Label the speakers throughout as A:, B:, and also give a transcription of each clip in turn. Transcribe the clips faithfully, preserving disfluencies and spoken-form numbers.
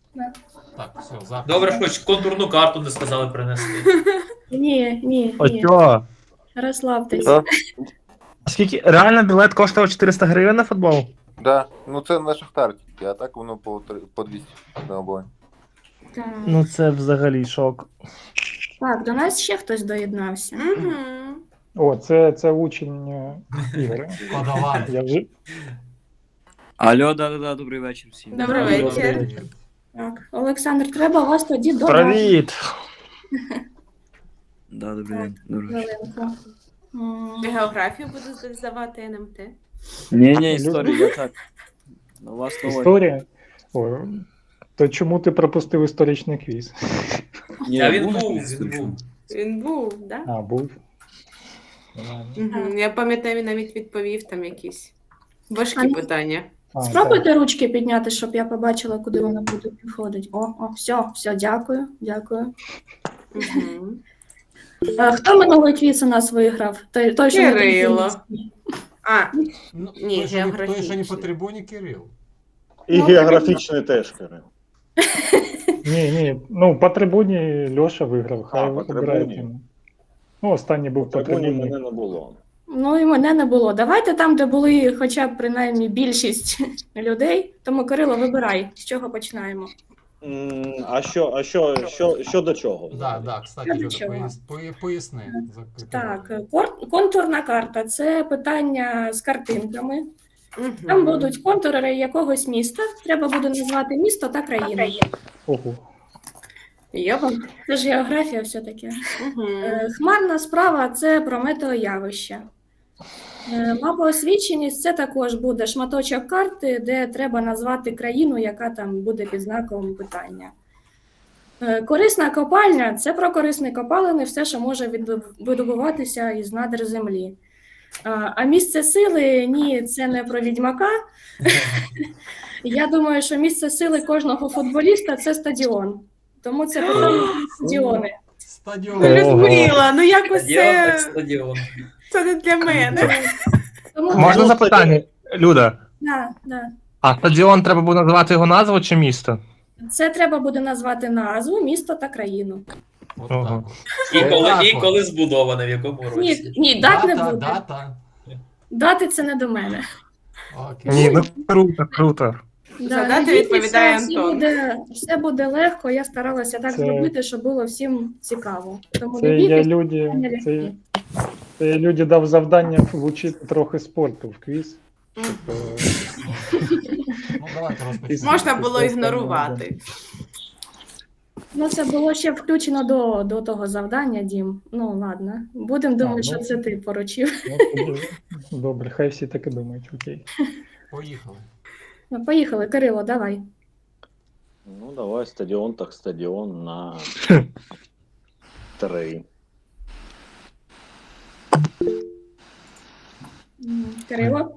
A: Да.
B: Так, все, запис.
C: Добре, хоч контурну карту не сказали принести.
A: Ні, ні,
D: О,
A: ні.
D: чо?
A: Розслабтесь.
E: Да?
D: Скільки? Реально білет коштував чотириста гривень на футбол?
E: Да. Ну це на Шахтар тільки, а так воно по, три- по двісті на обоє.
A: Так.
D: Ну це взагалі шок.
A: Так, до нас ще хтось доєднався.
F: Угу.
G: О, це, це учень е, Ігоря.
B: Подавай.
G: Я вже...
H: Алло, да-да-да, добрий вечір всім.
F: Добрий вечір.
A: Так, Олександр, треба вас тоді додати.
D: Привіт!
H: Да, добрий день. Добрий вечір.
A: Хвилинку. М,
F: Географію буду здавати ен ем те.
H: Ні, ні, історія, я так. На вас новий.
G: Історія? О, то чому ти пропустив історичний квіз?
H: Ні,
C: А він
H: був
C: був,
H: якийсь
C: він
H: случай?
C: був.
F: Він був, так?
G: А, був. Нормально.
F: Угу. Я пам'ятаю, він навіть відповів там якісь важкі
A: А ну-
F: питання.
G: А,
A: Спробуйте ручки підняти, щоб я побачила, куди вона буде підходити. О, о, все, все, дякую, дякую.
F: Угу.
A: Е, Хто минулий квіз у нас виграв? Той, той що на
F: Кирило.
A: трибуні.
F: А,
B: Ну,
F: Ні,
B: той, що не- той, що не
F: географічний.
B: по трибуні, Кирил.
I: І
A: Ну,
I: географічний теж, Кирил.
G: Ні, ні, ну по трибуні Льоша виграв, хай
I: А, по
G: обирає
I: трибуні.
G: тему. Ну, останній був по
I: Трибуні
G: трибуні.
I: мене не було.
A: Ну і мене не було. Давайте там, де були хоча б принаймні більшість людей. Тому, Кирило, вибирай, з чого починаємо.
I: М, А що, а що, що, що до чого?
B: Да,
I: взагалі?
B: да, кстати,
A: Я
B: Люда,
A: нічого.
B: пояс- поя- поясни. за
A: Так,
B: категорію.
A: кор- контурна карта це питання з картинками. Там
F: угу.
A: будуть контури якогось міста. Треба буде назвати місто та країну.
G: Ого.
F: Йопа.
A: Це ж географія все-таки.
F: Угу.
A: Е, Хмарна справа це про метеоявище. Е, Мапоосвіченість це також буде шматочок карти, де треба назвати країну, яка там буде під знаком питання. Е, Корисна копальня це про корисні копалини, все, що може відбу- видобуватися із надр землі. А, А місце сили ні, це не про відьмака. Я думаю, що місце сили кожного футболіста це стадіон. Тому це питання про стадіони.
B: Стадіон.
F: Людмила, ну якось
C: Стадіон так
F: це,
C: стадіон.
F: це не для мене.
A: Тому
D: Можна запитання? Люда,
A: да, да.
D: а стадіон треба буде називати його назву чи місто?
A: Це треба буде назвати назву, місто та країну.
B: От
D: Ага.
B: так от.
C: І коли,
B: Так
C: і
B: от.
C: коли збудоване, в якому році.
A: Ні, ні, дат не
B: Дата,
A: буде.
B: дата.
A: Дати це не до мене.
B: Окей.
D: Ні, ну круто, круто.
A: Да,
F: За дати
A: надійтеся,
F: відповідає
A: все
F: Антон.
A: буде, все буде легко. Я старалася так
G: Це-
A: зробити, щоб було всім цікаво. Тому
G: Це
A: не
G: я
A: бійтесь,
G: люди,
A: не
G: це,
A: лягти.
G: це я люди дав завдання влучити трохи спорту в квіз.
F: Мгм.
B: Ну, давайте розпочнемо.
F: Можна було ігнорувати.
A: Ну, це було ще включено до, до того завдання, Дім. Ну, ладно. Будемо думати,
G: ну.
A: що це ти поручив.
G: Ну, тоді добре, хай всі так і думають, окей.
B: Поїхали.
A: Ну, поїхали, Кирило, давай.
I: Ну, давай стадіон, так стадіон на три.
A: М, Кирило?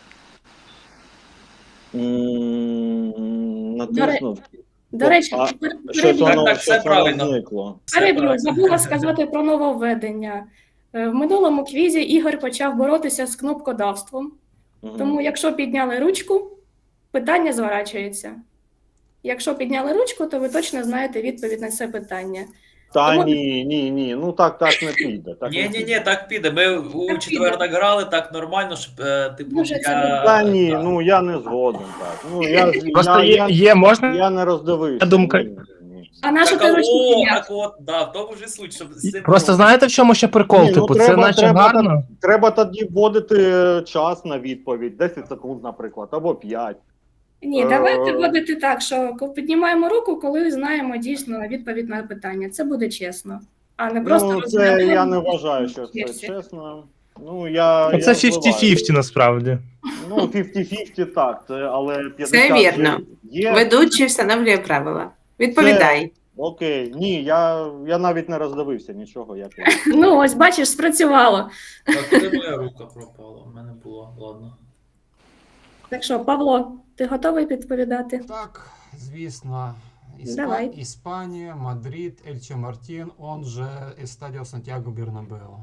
I: М, Натиснув.
A: До речі,
I: А,
A: пер-
I: Щось
A: переб'ю.
C: Так,
I: воно,
C: так, все
I: щось воно
C: правильно.
I: зникло.
C: Все
A: Переб'ю,
C: правильно.
A: забула сказати про нововведення. Е, В минулому квізі Ігор почав боротися з кнопкодавством.
I: Мгм.
A: Тому, якщо підняли ручку, питання зворачується. Якщо підняли ручку, то ви точно знаєте відповідь на це питання.
I: Та
A: Тому-
I: ні, ні, ні, ну так, так не піде. Так
C: Ні,
I: не
C: ні,
I: піде.
C: ні, так піде. Ми у
A: Так
C: четвер
A: піде.
C: так грали, так нормально, щоб е, типу.
A: Дуже це
C: я-
I: Та ні,
C: да.
I: ну я не згоден так. Ну, я,
D: Просто
I: я,
D: є,
I: я,
D: є можна.
I: я не роздивився.
D: Я думка-
I: Ні, ні.
A: А наша
C: Так,
A: ти
C: а,
A: ручку
C: о,
A: підняв?
C: так от, да, в тому ж і суть, щоб з цим
D: Просто
C: було.
D: знаєте, в чому ще прикол?
I: Ні, ну,
D: Типу, це
I: треба-
D: наче
I: треба
D: гарно.
I: Треба тоді вводити час на відповідь, десять секунд, наприклад, або п'ять.
A: Ні,
I: Е,
A: давайте вводити так, що ко- піднімаємо руку, коли знаємо дійсно відповідь на питання. Це буде чесно. А не просто
I: Ну, це
A: розглядаємо
I: я не вважаю, що це
A: версії.
I: чесно. Ну, я,
D: Ну,
I: я
D: Це
I: впливаю.
D: п'ятдесят п'ятдесят насправді.
I: Ну, п'ятдесят п'ятдесят так, це, але п'ятдесят
F: Це вірно.
I: Є.
F: Ведучий встановлює правила. Відповідай.
I: Окей, ні, я, я навіть не роздивився нічого. Як...
A: Ну, ось бачиш, спрацювало.
C: Так, куди моя рука пропала? У мене було, ладно.
A: Так що, Павло, ти готовий відповідати?
B: Так, звісно. Іспа...
A: Давай.
B: Іспанія, Мадрид, Ельче Мартін, он же Естадіо Сантьяго Бернабео.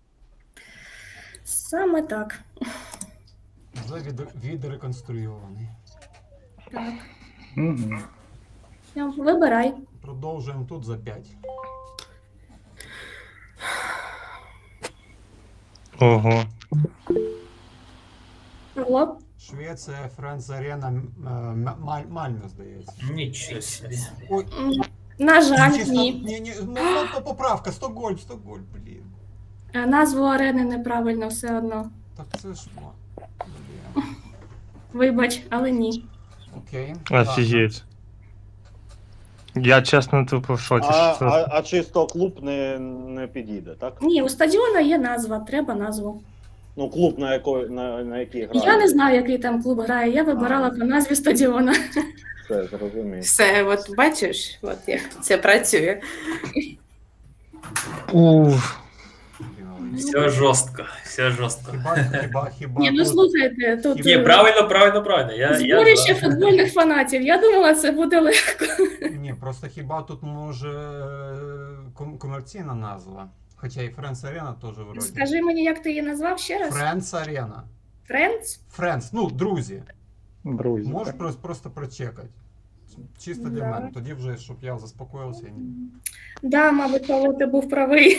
A: Саме так.
B: Вже від... відреконструйований.
A: Так.
G: Угу.
A: Все, вибирай.
B: Продовжуємо тут за п'ять.
D: Ого.
A: Павло.
B: Швеція, Френц Арена, м- е, М- Маль- Мальмö, здається.
C: Нічого собі.
B: Ой,
A: М, На жаль,
B: чисто-
A: ні.
B: ні, ні, ну, ну, то поправка, Стокгольм, Стокгольм, блін.
A: Е, Назву арени неправильно все одно.
B: Так це ж, о, блін.
A: Вибач, але ні.
B: Окей. ладно.
D: Офігеть. Я чесно тупо в шоці.
I: А,
D: що це.
I: а, а чисто клуб не, не підійде, так?
A: Ні, у стадіона є назва, треба назву.
I: Ну, клуб, на, якої, на, на який грає.
A: Я не знаю, який там клуб грає, я вибирала по назві стадіона.
I: Все, зрозумів.
F: Все, от бачиш, от як це працює.
D: Уф.
B: Блін,
C: Все жорстко, все жорстко.
B: Хіба, хіба, хіба
A: Ні, ну
B: тут-
A: слухайте, тут
C: Ні,
A: е,
C: правильно, правильно, правильно. Я, я
A: зборище
C: за.
A: футбольних фанатів. Я думала, це буде легко.
B: Ні, просто хіба тут може е, ком- комерційна назва? Хоча і Френц Арена теж вроді.
A: Скажи мені, як ти її назвав ще раз?
B: Френц Арена.
A: Френдс?
B: Френц, ну, друзі.
G: Друзі.
B: Можеш
G: так.
B: просто, просто прочекати. Чисто для
A: Да.
B: мене. Тоді вже, щоб я заспокоївся. Ні.
A: Да, мабуть, Павло, ти був правий.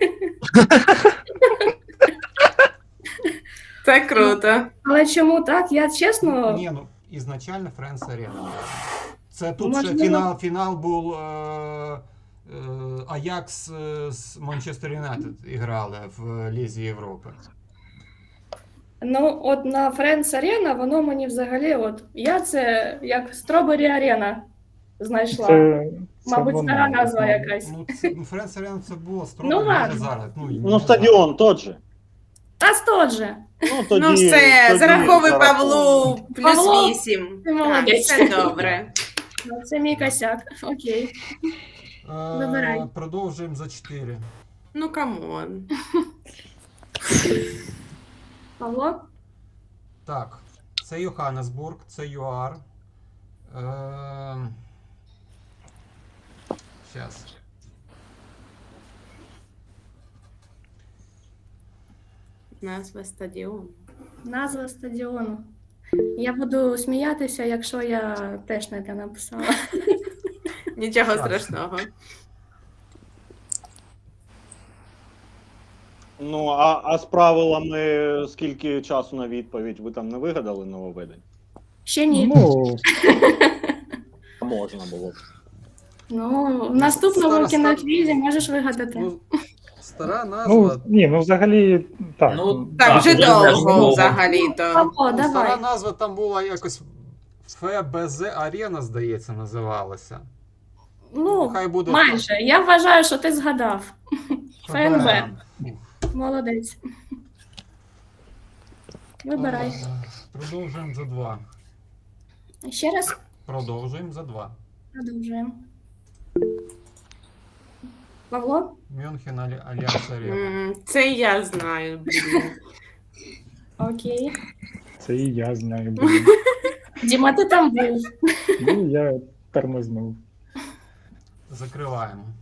F: Це круто.
A: Але чому так? Я чесно.
B: Ні, ну, ізначально Френц Арена. Це тут
A: Можливо.
B: ще фінал, фінал був е, е, Аякс е, з Манчестер Юнайтед іграли в Лізі Європи.
A: Ну, от на Френдс Арена, воно мені взагалі, от я це як Стробері Арена знайшла.
G: Це, це
A: Мабуть,
G: воно.
A: стара назва якась.
B: Ну, це, ну Френц Арена це було строго,
A: Ну,
B: може
A: ладно.
B: зараз. Ну, і
I: Ну,
B: не
I: стадіон тот же.
A: Та стот же.
I: Ну, тоді,
F: Ну все,
I: тоді
F: зараховуй
I: зараховуй.
F: Павлу плюс
A: Павло,
F: вісім.
A: ти
F: Так,
A: молодець.
F: все добре.
A: Ну, це мій косяк. Окей.
B: Е,
A: Вибирай.
B: Продовжуємо за чотири.
F: Ну камон.
A: Павло?
B: Так, це Йоханнесбург, це ЮАР. Е, Щас.
F: Назва стадіону.
A: Назва стадіону. Я буду сміятися, якщо я теж не те написала.
F: Нічого
B: Так.
F: страшного.
I: Ну, а, а з правилами скільки часу на відповідь? Ви там не вигадали нововведень?
A: Ще ні.
G: Ну,
I: Можна було б.
A: Ну, в наступному
B: Стара-
A: кіноквізі можеш вигадати.
B: Ну, стара
G: ну,
B: назва.
G: ні, ну взагалі так.
C: Ну,
F: Так,
C: Так,
F: вже
C: вже
F: довго
C: довго.
F: взагалі-то.
A: Павло,
B: Ну, стара
A: давай.
B: назва там була якось Ф Б З Арена, здається, називалася.
A: Ну,
B: Хай буде
A: майже. Я вважаю, що ти згадав. ФНБ.
B: Ух.
A: Молодець. Вибирай.
B: Е, Продовжуємо за два.
A: Ще раз
B: Продовжуємо за два.
A: продовжуємо. Павло?
B: Мюнхен Алі- Альянс Арена.
F: М, Це я знаю, блін.
A: Окей.
G: Це і я знаю. блін.
A: Діма, ти там був.
G: Ну, я тормознув.
B: Закриваємо.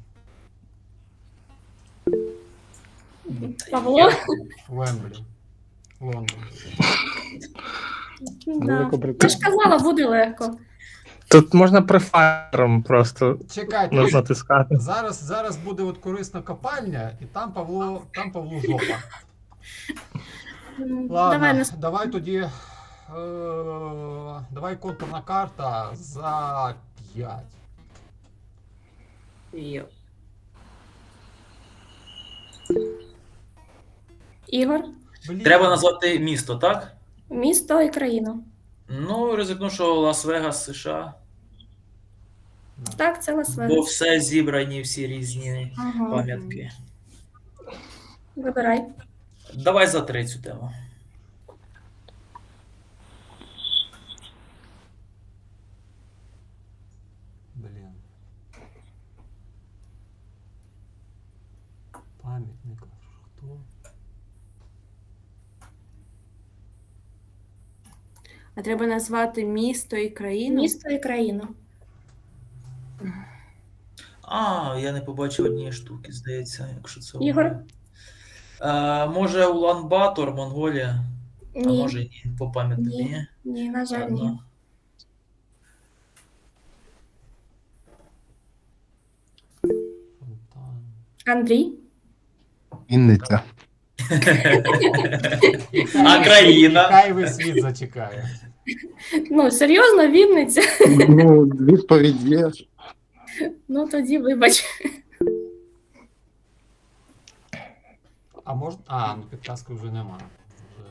A: Павло?
B: Вемблі. Лондон.
A: Да. Я
G: Великобританія.
A: ж казала, буде легко.
D: Тут можна префайром просто
B: Чекайте.
D: на- натискати.
B: Зараз, зараз буде от корисна копальня, і там Павло, там Павло жопа.
A: М,
B: Ладно,
A: Давай
B: давай,
A: нас.
B: тоді. Е, давай контурна карта за п'ять.
F: Йо.
A: Ігор,
B: Блін.
C: Треба назвати місто, так?
A: місто і країну.
C: Ну, ризикну, що Лас-Вегас, США.
A: Так, це
C: Бо
A: Лас-Вегас.
C: все зібрані, всі різні
A: Ага.
C: пам'ятки.
A: Вибирай.
C: Давай за третю тему.
B: Блін. Пам'ятник. Хто?
F: А треба назвати місто і країну?
A: Місто і країну.
C: А, я не побачив однієї штуки, здається, якщо це.
A: Ігор?
C: воно. Е, може, Улан-Батор, Монголія, а
A: Ні.
C: може ні, по пам'яті
A: Ні.
C: ні.
A: Ні, на жаль, ні.
C: Ладно.
A: Андрій.
D: Вінниця.
C: А країна?
B: Хай весь світ зачекає.
A: Ну, серйозно, Вінниця?
D: Ну, відповідь є.
A: Ну, тоді вибач.
B: А можна. А, ну підказки вже нема. Вже...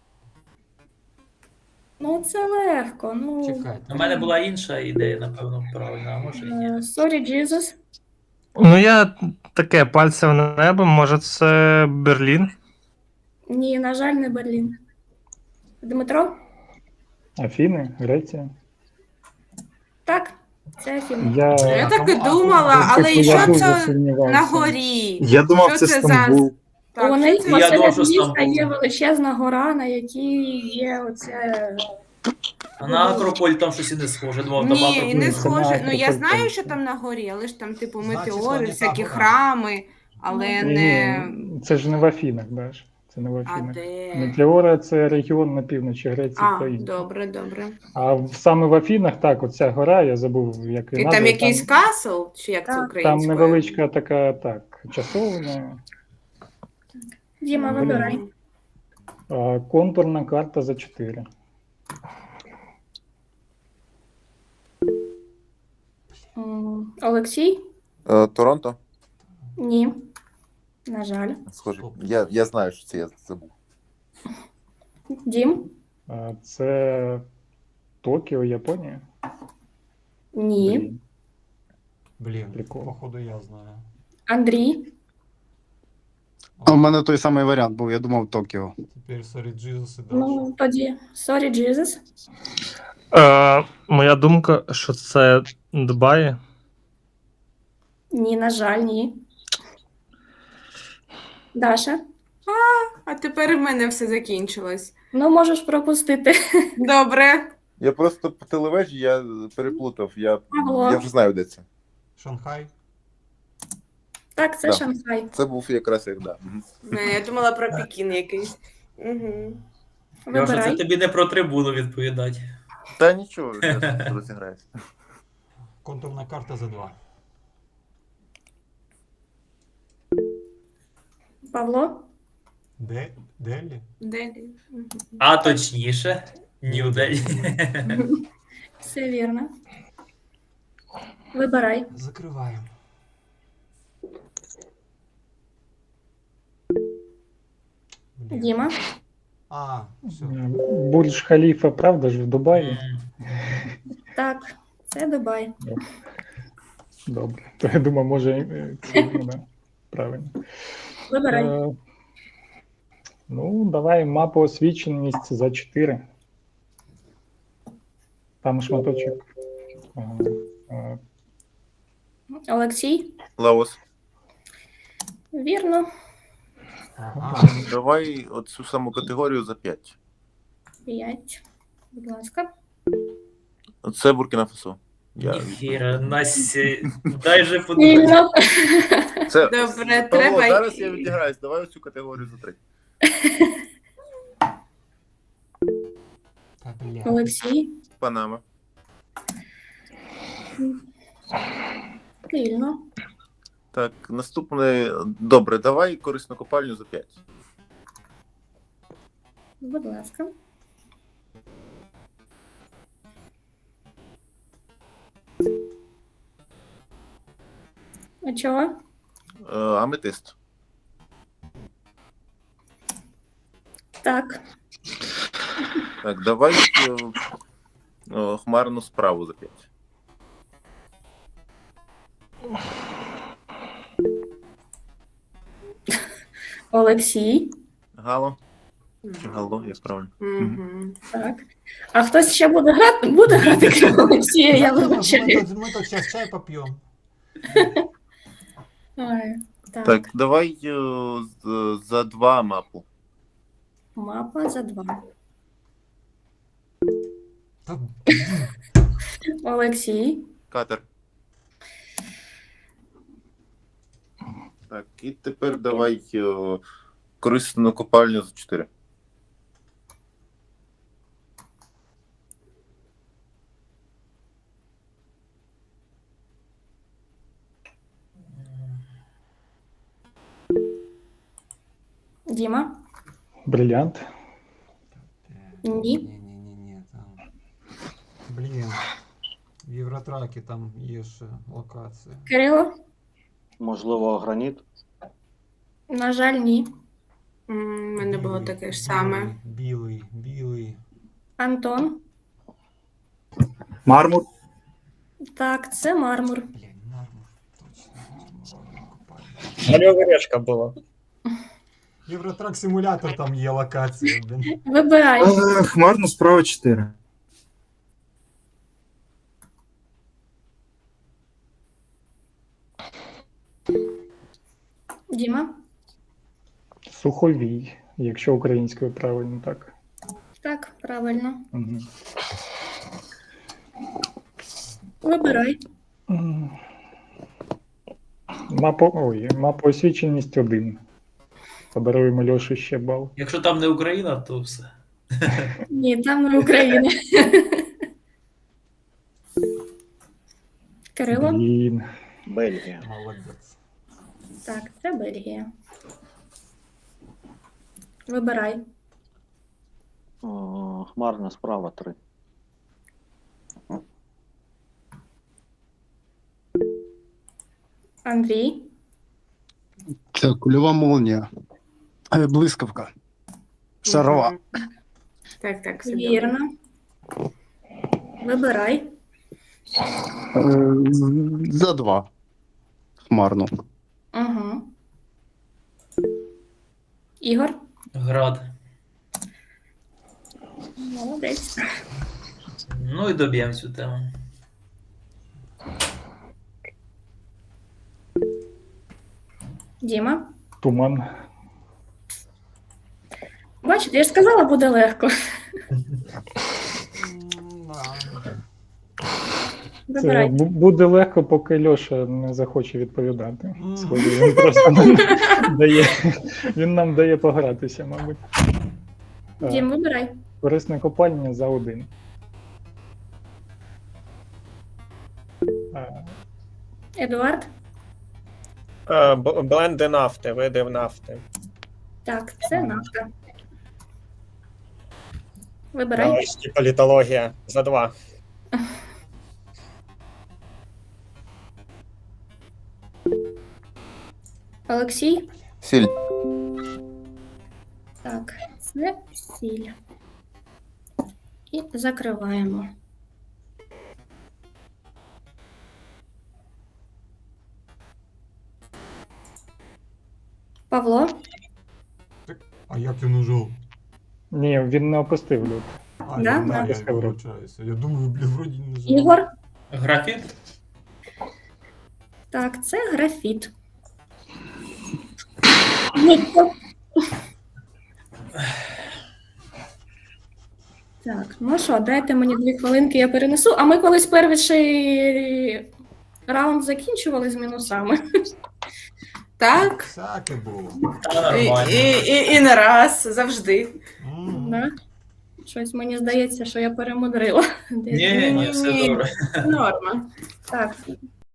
A: Ну, це легко. Ну,
B: Чекайте.
C: У мене була інша ідея, напевно, правильна, а може і ні.
A: е, Sorry, Jesus.
D: Ну, я таке пальце в небо, може це Берлін?
A: Ні, на жаль, не Берлін. Дмитро?
G: Афіни, Греція.
A: Так, це Афіни.
G: Я,
F: Я так і
B: а,
F: думала,
B: а,
F: але і
G: я
F: що
G: дуже
F: це
G: сумнівався.
F: на горі?
D: Я думав,
F: Що
D: це
F: це за-
D: Стамбул.
F: Так,
A: У
F: що
A: них
F: це?
C: Я
A: посеред
C: думав, що
A: міста
C: Стамбул.
A: є величезна гора, на якій є оце.
C: А на Акрополь там щось і не схоже. Думав, там
F: Ні, і
C: Акрополь.
F: не
G: Це
F: схоже. Ну я
G: Акрополь
F: знаю,
G: точно.
F: що там на горі, але ж там, типу,
B: Значить,
F: метеори,
B: вони
F: всякі
B: так,
F: храми, але
G: Ні,
F: не.
G: ні, це ж не в Афінах, Даш. Це не в
F: А
G: Афінах.
F: де?
G: Метеора це регіон на півночі Греції
F: А,
G: країни.
F: добре, добре.
G: А в- саме в Афінах, так, оця гора, я забув, як
F: І
G: її
F: там
G: назва,
F: якийсь касл, чи як це
A: Так.
G: там
F: українською?
G: невеличка така, так, часовня.
A: Діма,
F: Мгм.
A: вибирай.
G: А, контурна карта за чотири.
A: М, Олексій?
E: Е, Торонто?
A: Ні. На жаль.
E: Схоже. Я, я знаю, що це я забув.
A: Дім?
G: А, це Токіо, Японія.
A: Ні.
G: Блін.
B: Блін,
G: Прикол.
B: походу я знаю.
A: Андрій?
J: А в мене той самий варіант був, я думав Токіо.
B: Тепер Sorry Jesus і далі.
A: Ну, тоді Sorry, Jesus.
D: Е, моя думка, що це Дубаї.
A: Ні, на жаль, ні. Даша?
F: А тепер в мене все закінчилось.
A: Ну, можеш пропустити.
F: Добре.
E: Я просто по телевежі я переплутав. Я,
A: Ага.
E: я вже знаю, де це.
B: Шанхай.
A: Так, це
E: Да.
A: Шанхай.
E: Це був якраз як да. Мгм.
F: Не, я думала про Пекін якийсь. Угу.
C: Я вже це
A: Вибирай.
C: тобі не про трибуну відповідати.
E: Та нічого, я розіграюся.
B: Контурна карта за два.
A: Павло?
B: Де? Делі?
F: Делі. Мгм.
C: А точніше, Нью-Делі.
A: Все вірно. Вибирай.
B: Закриваємо. Блін.
A: Діма?
B: А, все.
G: Бурдж Халіфа, правда ж, в Дубаї?
A: Так, це Дубай.
G: Добре. То я думаю, може, е, це, ну, да, правильно.
A: Вибирай.
G: Е, ну, давай мапу освіченість за чотири. Там шматочок. Ага. Е,
A: Олексій?
E: Лаос.
A: Вірно.
B: Ага.
E: Давай оцю саму категорію за п'ять.
A: П'ять. Будь ласка.
E: Це Буркіна Фасо. Я...
C: Ніхіра, Насі, дай же подумати.
A: Вільно.
E: Це...
F: Добре,
E: Павло,
F: треба-
E: зараз я відіграюсь. Давай оцю категорію за три.
B: Та бля.
A: Олексій?
E: Панама.
A: Вільно.
E: Так, наступне. Добре, давай корисну копальню за п'ять.
A: Будь ласка. А чого?
E: Е, Аметист.
A: Так.
E: Так, давай е, е, хмарну справу за п'ять.
A: Олексій.
E: Гало. Чи Гало, як правильно?
F: Мгм.
A: Так. А хтось ще буде грати? Буде грати крім Олексія, я
B: Ми
A: вибачаю.
B: тут, ми тут зараз чай поп'ємо.
A: Ой, Так.
E: Так, давай е, з- за два мапу.
A: Мапа за два.
B: Та,
A: Олексій.
E: Катер. Так, і тепер давай е, корисну копальню за чотири.
A: Діма?
G: Брилянт.
A: Ні.
B: Ні-ні-ні, там. Блін. В Євротракі там є ще локація.
A: Кирило?
I: Можливо, граніт.
A: На жаль, ні.
F: М, У мене було
B: Білий,
F: таке ж саме.
B: Білий, білий.
A: Антон?
J: Мармур.
A: Так, це мармур.
B: Блін, мармур. Точно, мармуровий купальник.
D: Мальова решка була.
B: Євротрак симулятор там є локація, блін.
A: Вибирай.
J: Хмарно справа чотири.
A: Діма?
G: Суховій, якщо українською правильно так.
A: Так, правильно.
G: Угу.
A: Вибирай.
G: Мапо... Ой, мапоосвіченість один. Подаруємо Льоші ще бал.
C: Якщо там не Україна, то все.
A: Ні, там не Україна. Кирило?
G: Блін.
I: Бельгія.
B: Молодець.
A: Так, це Бельгія. Вибирай.
I: О, хмарна справа три.
A: Андрій?
J: Це кульова молнія. Е, Блискавка. Шарова.
F: Мгм. Так, так, все добре.
A: Вірно. Вибирай.
J: Е, За два. Хмарно.
A: Угу. Ігор?
C: Град.
A: Молодець.
C: Ну і доб'ємо цю тему.
A: Діма?
G: Туман.
A: Бачите, я ж сказала, буде легко.
B: М, да.
G: Це
A: Вибирай.
G: бу- буде легко, поки Льоша не захоче відповідати.
B: Мгм.
G: Схоже, він просто нам дає, він нам дає погратися, мабуть. Так,
A: Дім, вибирай.
G: корисне копання за один. А,
A: Едуард?
D: Е, б- Бленди нафти, види нафти.
A: Так, це нафта. Вибирай.
D: Нарешті політологія за два.
A: Олексій?
E: Сіль.
A: Так, це сіль. І закриваємо. Павло?
B: А як ти нажав?
G: ні, він не опустив люд.
B: А,
A: Да?
B: я,
A: Да.
B: да, я
G: Опустив руку.
B: вибачаюся. Я думаю, блін, вроді не нажав.
A: Ігор?
C: Графіт?
A: Так, це графіт. Ніко. Так, ну що, дайте мені дві хвилинки, я перенесу. А ми колись перший раунд закінчували з мінусами.
F: Так.
B: Всяке було.
C: Та
F: І,
C: нормально.
F: і, і, і не раз, завжди.
B: М.
A: Да? Щось мені здається, що я перемудрила.
C: Ні, ні, все
F: Ні.
C: добре.
A: Норма. Так,